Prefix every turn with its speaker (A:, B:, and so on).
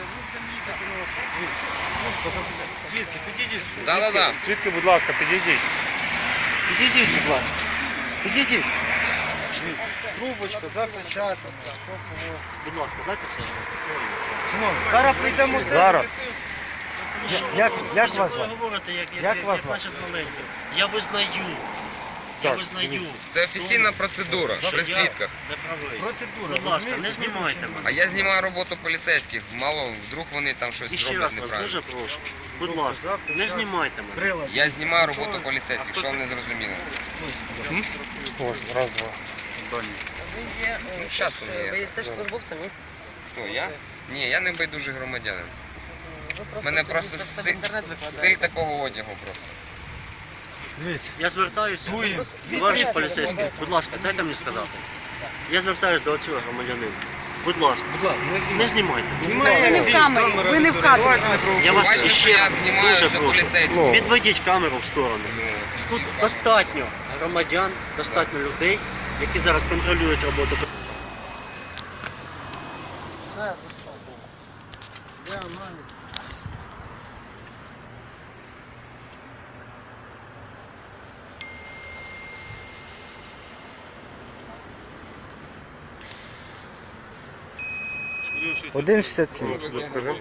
A: будемо їхати на вас. Свідки, підійдіть.
B: Да.
C: Свідки, будь ласка, підійдіть.
A: Підійдіть, будь ласка. Підійдіть. Трубочка, запечатана.
D: Будь ласка, дайте все.
A: Шановні, зараз прийдемо.
C: Зараз.
A: Як вас
D: Ви
A: звати?
D: говорите,
A: Як
D: як
A: вас
D: бачиш маленьку. Я визнаю. Я
C: Так,
D: визнаю.
B: Це офіційна процедура
D: Що
B: при
D: я
B: свідках.
D: не правий.
A: Процедура.
D: Будь ласка, не
A: розумієте?
D: знімайте
B: А
D: мене.
B: я знімаю роботу поліцейських. Мало, вдруг вони там щось
D: І ще
B: роблять
D: раз вас
B: неправильно.
D: дуже прошу. Будь ласка, не знімайте мене.
A: Прилад.
B: Я знімаю роботу поліцейських, що вам не зрозуміло.
C: Ось, раз, два.
B: Ну, зараз у
E: Ви
B: мене.
E: теж службовцем, ні?
B: Хто, я? Ні, я не байдужий громадянин.
E: Ви
B: У мене просто
E: це в
B: стиль
E: інтернет
B: стиль
E: викладаєте.
B: такого одягу просто.
A: Дивіться.
D: Я звертаюся,
A: Дуємо.
D: товариш поліцейський, будь ласка, дайте мені сказати. Я звертаюся до цього громадянина. Будь ласка,
A: Будь ласка,
D: не знімайте.
E: Ви не в камері, ви не в кадрі.
D: Я вас
B: Бачите, що
D: ще
B: я
D: раз
B: знімаю
D: дуже
B: все
D: прошу.
B: поліцейське.
D: Відведіть камеру в сторону.
B: Ну,
D: Тут
B: і-
D: достатньо громадян, достатньо людей, які зараз контролюють роботу.
A: Все, де аналіз? Один 67.
C: Скажи.